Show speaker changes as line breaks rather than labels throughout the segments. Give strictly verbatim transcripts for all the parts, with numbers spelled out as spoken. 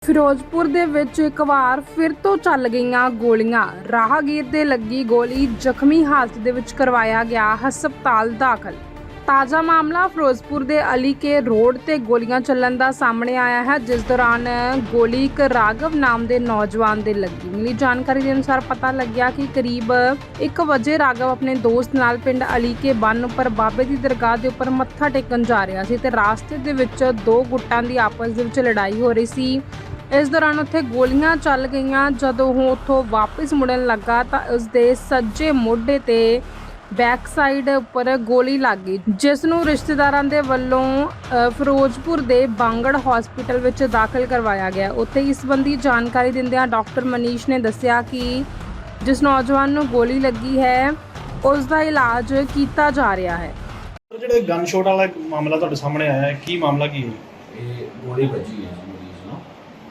ਫਿਰੋਜ਼ਪੁਰ ਦੇ ਵਿੱਚ ਇੱਕ ਵਾਰ ਫਿਰ ਤੋਂ ਚੱਲ ਗਈਆਂ ਗੋਲੀਆਂ। ਰਾਹਗੀਰ ਦੇ ਲੱਗੀ ਗੋਲੀ, ਜ਼ਖਮੀ ਹਾਲਤ ਦੇ ਵਿੱਚ ਕਰਵਾਇਆ ਗਿਆ ਹਸਪਤਾਲ ਦਾਖਲ। ਤਾਜ਼ਾ ਮਾਮਲਾ ਫਿਰੋਜ਼ਪੁਰ ਦੇ ਅਲੀ ਕੇ ਰੋਡ ਤੇ ਗੋਲੀਆਂ ਚੱਲਣ ਦਾ ਸਾਹਮਣੇ ਆਇਆ ਹੈ, ਜਿਸ ਦੌਰਾਨ ਗੋਲੀ ਇੱਕ ਰਾਘਵ ਨਾਮ ਦੇ ਨੌਜਵਾਨ ਦੇ ਲੱਗੀ। ਮਿਲੀ ਜਾਣਕਾਰੀ ਦੇ ਅਨੁਸਾਰ ਪਤਾ ਲੱਗਿਆ ਕਿ ਕਰੀਬ ਇੱਕ ਵਜੇ ਰਾਘਵ ਆਪਣੇ ਦੋਸਤ ਨਾਲ ਪਿੰਡ ਅਲੀ ਕੇ ਬੰਨ ਉੱਪਰ ਬਾਬੇ ਦੀ ਦਰਗਾਹ ਦੇ ਉੱਪਰ ਮੱਥਾ ਟੇਕਣ ਜਾ ਰਿਹਾ ਸੀ ਤੇ ਰਾਸਤੇ ਦੇ ਵਿੱਚ ਦੋ ਗੁੱਟਾਂ ਦੀ ਆਪਸ ਦੇ ਵਿੱਚ ਲੜਾਈ ਹੋ ਰਹੀ ਸੀ। ਇਸ ਦੌਰਾਨ ਉੱਥੇ ਗੋਲੀਆਂ ਚੱਲ ਗਈਆਂ। ਜਦੋਂ ਉਹ ਉੱਥੋਂ ਵਾਪਸ ਮੁੜਨ ਲੱਗਾ ਤਾਂ ਉਸ ਦੇ ਸੱਜੇ ਮੋਢੇ ਤੇ ਬੈਕ ਸਾਈਡ ਉੱਪਰ ਗੋਲੀ ਲੱਗ ਗਈ, ਜਿਸ ਨੂੰ ਰਿਸ਼ਤੇਦਾਰਾਂ ਦੇ ਵੱਲੋਂ ਫਿਰੋਜ਼ਪੁਰ ਦੇ ਬਾਂਗੜ ਹਸਪੀਟਲ ਵਿੱਚ ਦਾਖਲ ਕਰਵਾਇਆ ਗਿਆ। ਉੱਥੇ ਇਸ ਸੰਬੰਧੀ ਜਾਣਕਾਰੀ ਦਿੰਦਿਆਂ ਡਾਕਟਰ ਮਨੀਸ਼ ਨੇ ਦੱਸਿਆ ਕਿ ਜਿਸ ਨੌਜਵਾਨ ਨੂੰ ਗੋਲੀ ਲੱਗੀ ਹੈ ਉਸ ਦਾ ਇਲਾਜ ਕੀਤਾ ਜਾ ਰਿਹਾ ਹੈ।
ਜਿਹੜੇ ਗਨ ਸ਼ਾਟ ਵਾਲਾ ਮਾਮਲਾ ਤੁਹਾਡੇ ਸਾਹਮਣੇ ਆਇਆ ਹੈ, ਕੀ ਮਾਮਲਾ ਕੀ ਹੈ?
ਇਹ ਗੋਲੀ ਵੱਜੀ ਹੈ ਜੀ ਮਰੀਜ਼ ਨੂੰ।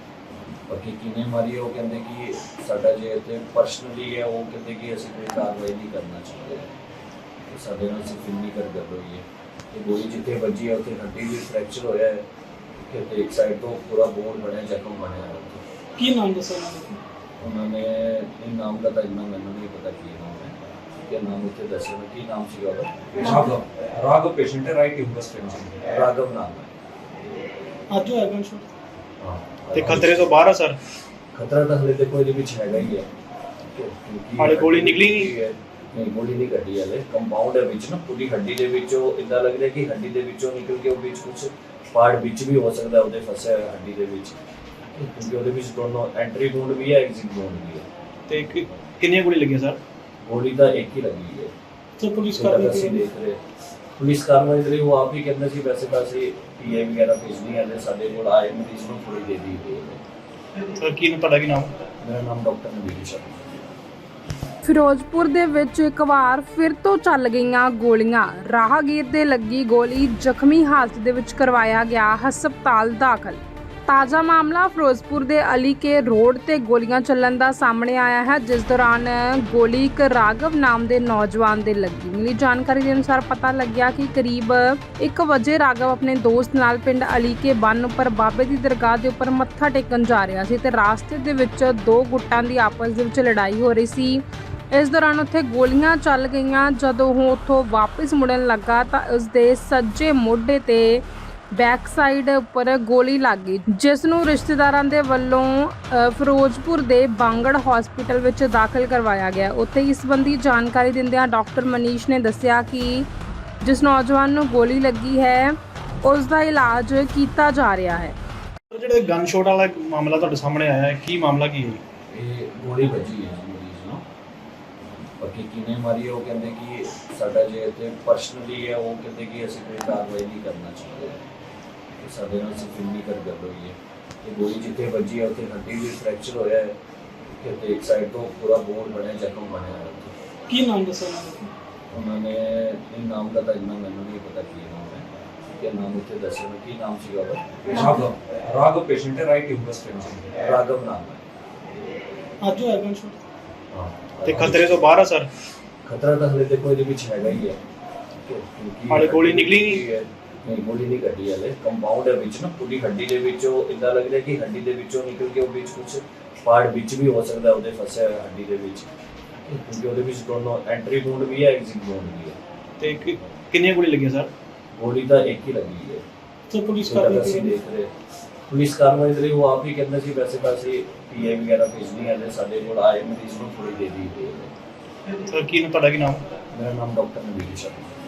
ਬਾਕੀ ਕਿਨੇ ਮਾਰੀ ਹੈ ਉਹ ਕਹਿੰਦੇ ਕਿ ਸਾਡਾ ਜੇ ਤੇ ਪਰਸਨਲੀ ਹੈ, ਉਹ ਕਹਿੰਦੇ ਕਿ ਅਸੀਂ ਕੋਈ ਕਾਰਵਾਈ ਨਹੀਂ ਕਰਨਾ ਚਾਹੁੰਦੇ। ਸਾਡੇ ਨਾਲ ਸਿਰਫ ਇੰਨੀ ਕਰ ਗੱਲ ਹੋਈ ਹੈ ਕਿ ਗੋਲੀ ਜਿੱਥੇ ਵੱਜੀ ਹੈ ਉੱਥੇ ਹੱਡੀ ਵੀ ਫ੍ਰੈਕਚਰ ਹੋਇਆ ਹੈ ਕਿ ਇੱਕ ਸਾਈਡ ਤੋਂ ਪੂਰਾ ਬੋਨ ਬਣਿਆ, ਜ਼ਖਮ ਬਣਿਆ ਹੈ।
ਕੀ ਨਾਮ ਦੱਸਿਆ
ਉਹਨਾਂ ਨੇ? ਇਹ ਨਾਮ ਦਾ ਤਾਂ ਇੰਨਾ ਮੈਨੂੰ ਨਹੀਂ ਪਤਾ ਕੀ ਨਾਮ ਹੈ, ਕਿ ਨਾਮ ਉੱਥੇ ਦੱਸਿਆ ਨਾ ਕੀ ਨਾਮ ਸੀਗਾ ਉਹਦਾ।
ਰਾਘਵ ਰਾਘਵ ਪੇਸ਼ੈਂਟ ਹੈ, ਰਾਈਟ ਹਿਊਮਰਸ ਟੈਂਸ਼ਨ।
ਰਾਘਵ ਨਾਮ ਹੈ।
ਅੱਜ ਹੋਇਆ ਗਨ ਸ਼ਾਟ
ਹਾਂ,
ਤੇ ਖਤਰੇ ਤੋਂ ਬਾਹਰ ਆ ਸਰ?
ਖਤਰਾ ਤਾਂ ਹਲੇ ਦੇਖੋ ਇਹਦੇ ਵਿੱਚ ਹੈਗਾ ਹੀ ਹੈ।
ਹਾਲੇ ਗੋਲੀ ਨਿਕਲੀ ਨਹੀਂ?
ਨਹੀਂ, ਗੋਲੀ ਨਹੀਂ ਕੱਢੀ ਹਲੇ। ਕੰਪਾਊਂਡ ਹੈ ਵਿੱਚ ਨਾ, ਪੂਰੀ ਹੱਡੀ ਦੇ ਵਿੱਚੋਂ ਇੱਦਾਂ ਲੱਗ ਰਿਹਾ ਕਿ ਹੱਡੀ ਦੇ ਵਿੱਚੋਂ ਨਿਕਲ ਕੇ ਉਹ ਵਿੱਚ ਕੁਝ ਪਾਰਟ ਵਿੱਚ ਵੀ ਹੋ ਸਕਦਾ ਉਹਦੇ ਫਸਿਆ ਹੋਇਆ ਹੱਡੀ ਦੇ ਵਿੱਚ, ਕਿਉਂਕਿ ਉਹਦੇ ਵਿੱਚ ਦੋਨੋਂ ਐਂਟਰੀ ਵੂੰਡ ਵੀ ਹੈ, ਐਗਜ਼ਿਟ ਵੂੰਡ ਵੀ ਹੈ।
ਤੇ ਕਿ- ਕਿੰਨੀਆਂ ਗੋਲੀ ਲੱਗੀਆਂ ਸਰ?
ਗੋਲੀ ਤਾਂ ਇੱਕ ਹੀ ਲੱਗੀ ਹੈ।
ਤੇ ਪੁਲਿਸ
ਕਾਰਵਾਈ ਅਸੀਂ ਦੇਖ ਰਹੇ ਪੁਲਿਸ ਕਾਰਵਾਈ ਦੇ ਲਈ ਉਹ ਆਪ ਹੀ ਕਹਿੰਦੇ ਸੀ ਵੈਸੇ ਤਾਂ ਅਸੀਂ ਪੀਏ ਵਗੈਰਾ ਭੇਜਣੀ ਹੈ, ਸਾਡੇ ਕੋਲ ਆਏ ਮਰੀਜ਼ ਨੂੰ ਥੋੜੀ ਦੇ ਦੀ ਹੈ।
ਸਰ ਕੀ ਤੁਹਾਡਾ ਕੀ ਨਾਮ?
ਮੇਰਾ ਨਾਮ ਡਾਕਟਰ ਨਵੀਨ ਸ਼ਰਮਾ।
ਫਿਰੋਜ਼ਪੁਰ ਦੇ ਵਿੱਚ ਇੱਕ ਵਾਰ ਫਿਰ ਤੋਂ ਚੱਲ ਗਈਆਂ ਗੋਲੀਆਂ। ਰਾਹਗੀਰ ਦੇ ਲੱਗੀ ਗੋਲੀ, ਜ਼ਖਮੀ ਹਾਲਤ ਦੇ ਵਿੱਚ ਕਰਵਾਇਆ ਗਿਆ ਹਸਪਤਾਲ ਦਾਖਲ। ਤਾਜ਼ਾ ਮਾਮਲਾ ਫਿਰੋਜ਼ਪੁਰ ਦੇ ਅਲੀ ਕੇ ਰੋਡ ਤੇ ਗੋਲੀਆਂ ਚੱਲਣ ਦਾ ਸਾਹਮਣੇ ਆਇਆ ਹੈ, ਜਿਸ ਦੌਰਾਨ ਗੋਲੀ ਇੱਕ ਰਾਘਵ ਨਾਮ ਦੇ ਨੌਜਵਾਨ ਦੇ ਲੱਗੀ। ਮਿਲੀ ਜਾਣਕਾਰੀ ਦੇ ਅਨੁਸਾਰ ਪਤਾ ਲੱਗਿਆ ਕਿ ਕਰੀਬ ਇੱਕ ਵਜੇ ਰਾਘਵ ਆਪਣੇ ਦੋਸਤ ਨਾਲ ਪਿੰਡ ਅਲੀ ਕੇ ਬੰਨ ਉੱਪਰ ਬਾਬੇ ਦੀ ਦਰਗਾਹ ਦੇ ਉੱਪਰ ਮੱਥਾ ਟੇਕਣ ਜਾ ਰਿਹਾ ਸੀ ਤੇ ਰਾਸਤੇ ਦੇ ਵਿੱਚ ਦੋ ਗੁੱਟਾਂ ਦੀ ਆਪਸ ਦੇ ਵਿੱਚ ਲੜਾਈ ਹੋ ਰਹੀ ਸੀ। ਇਸ ਦੌਰਾਨ ਉੱਥੇ ਗੋਲੀਆਂ ਚੱਲ ਗਈਆਂ। ਜਦੋਂ ਉਹ ਉੱਥੋਂ ਵਾਪਸ ਮੁੜਨ ਲੱਗਾ ਤਾਂ ਉਸ ਦੇ ਸੱਜੇ ਮੋਢੇ ਤੇ ਬੈਕ ਸਾਈਡ ਉੱਪਰ ਗੋਲੀ ਲੱਗ ਗਈ, ਜਿਸ ਨੂੰ ਰਿਸ਼ਤੇਦਾਰਾਂ ਦੇ ਵੱਲੋਂ ਫਿਰੋਜ਼ਪੁਰ ਦੇ ਬਾਂਗੜ ਹਸਪੀਟਲ ਵਿੱਚ ਦਾਖਲ ਕਰਵਾਇਆ ਗਿਆ। ਉੱਥੇ ਇਸ ਸੰਬੰਧੀ ਜਾਣਕਾਰੀ ਦਿੰਦਿਆਂ ਡਾਕਟਰ ਮਨੀਸ਼ ਨੇ ਦੱਸਿਆ ਕਿ ਜਿਸ ਨੌਜਵਾਨ ਨੂੰ ਗੋਲੀ ਲੱਗੀ ਹੈ ਉਸ ਦਾ ਇਲਾਜ ਕੀਤਾ ਜਾ ਰਿਹਾ ਹੈ।
ਜਿਹੜੇ ਗਨ ਸ਼ਾਟ ਵਾਲਾ ਮਾਮਲਾ ਤੁਹਾਡੇ ਸਾਹਮਣੇ ਆਇਆ ਹੈ, ਕੀ ਮਾਮਲਾ ਕੀ ਹੈ?
ਇਹ ਗੋਲੀ ਵੱਜੀ ਹੈ ਜੀ ਮਰੀਜ਼ ਨੂੰ। ਬਾਕੀ ਕਿਨੇ ਮਾਰੀ ਹੈ ਉਹ ਕਹਿੰਦੇ ਕਿ ਸਾਡਾ ਜੇ ਤੇ ਪਰਸਨਲੀ ਹੈ, ਉਹ ਕਹਿੰਦੇ ਕਿ ਅਸੀਂ ਕੋਈ ਕਾਰਵਾਈ ਨਹੀਂ ਕਰਨਾ ਚਾਹੁੰਦੇ। ਸਾਡੇ ਨਾਲ ਸਿਰਫ ਇੰਨੀ ਕਰ ਗੱਲ ਹੋਈ ਹੈ ਕਿ ਗੋਲੀ ਜਿੱਥੇ ਵੱਜੀ ਹੈ ਉੱਥੇ ਹੱਡੀ ਵੀ ਫ੍ਰੈਕਚਰ ਹੋਇਆ ਹੈ ਕਿ ਇੱਕ ਸਾਈਡ ਤੋਂ ਪੂਰਾ ਬੋਨ ਬਣਿਆ, ਜ਼ਖਮ ਬਣਿਆ ਹੈ।
ਕੀ ਨਾਮ ਦੱਸਿਆ
ਉਹਨਾਂ ਨੇ? ਇਹ ਨਾਮ ਦਾ ਤਾਂ ਇੰਨਾ ਮੈਨੂੰ ਨਹੀਂ ਪਤਾ ਕੀ ਨਾਮ ਹੈ, ਕਿ ਨਾਮ ਉੱਥੇ ਦੱਸਿਆ ਨਾ ਕੀ ਨਾਮ ਸੀਗਾ ਉਹਦਾ।
ਰਾਘਵ ਰਾਘਵ ਪੇਸ਼ੈਂਟ ਹੈ, ਰਾਈਟ ਹਿਊਮਰਸ ਟੈਂਸ਼ਨ।
ਰਾਘਵ ਨਾਮ ਹੈ।
ਅੱਜ ਹੋਇਆ ਗਨ ਸ਼ਾਟ
ਹਾਂ,
ਤੇ ਖਤਰੇ ਤੋਂ ਬਾਹਰ ਆ ਸਰ?
ਖਤਰਾ ਤਾਂ ਹਲੇ ਦੇਖੋ ਇਹਦੇ ਵਿੱਚ ਹੈਗਾ ਹੀ ਹੈ।
ਹਾਲੇ ਗੋਲੀ ਨਿਕਲੀ ਨਹੀਂ?
ਨਹੀਂ, ਗੋਲੀ ਨਹੀਂ ਕੱਢੀ ਹਲੇ। ਕੰਪਾਊਂਡ ਹੈ ਵਿੱਚ ਨਾ, ਪੂਰੀ ਹੱਡੀ ਦੇ ਵਿੱਚੋਂ ਇੱਦਾਂ ਲੱਗ ਰਿਹਾ ਕਿ ਹੱਡੀ ਦੇ ਵਿੱਚੋਂ ਨਿਕਲ ਕੇ ਉਹ ਵਿੱਚ ਕੁਝ ਪਾਰਟ ਵਿੱਚ ਵੀ ਹੋ ਸਕਦਾ ਉਹਦੇ ਫਸਿਆ ਹੋਇਆ ਹੱਡੀ ਦੇ ਵਿੱਚ, ਕਿਉਂਕਿ ਉਹਦੇ ਵਿੱਚ ਦੋਨੋਂ ਐਂਟਰੀ ਵੂੰਡ ਵੀ ਹੈ, ਐਗਜ਼ਿਟ ਵੂੰਡ ਵੀ ਹੈ।
ਤੇ ਕਿ- ਕਿੰਨੀਆਂ ਗੋਲੀ ਲੱਗੀਆਂ ਸਰ?
ਗੋਲੀ ਤਾਂ ਇੱਕ ਹੀ ਲੱਗੀ ਹੈ।
ਤੇ ਪੁਲਿਸ
ਕਾਰਵਾਈ ਅਸੀਂ ਦੇਖ ਰਹੇ ਪੁਲਿਸ ਕਾਰਵਾਈ ਦੇ ਲਈ ਉਹ ਆਪ ਹੀ ਕਹਿੰਦੇ ਸੀ ਵੈਸੇ ਤਾਂ ਅਸੀਂ ਪੀਏ ਵਗੈਰਾ ਭੇਜਣੀ ਹੈ, ਸਾਡੇ ਕੋਲ ਆਏ ਮਰੀਜ਼ ਨੂੰ ਥੋੜੀ ਦੇ ਦੀ ਹੈ।
ਸਰ ਕੀ ਤੁਹਾਡਾ ਕੀ ਨਾਮ?
ਮੇਰਾ ਨਾਮ ਡਾਕਟਰ ਨਵੀਨ ਸ਼ਰਮਾ।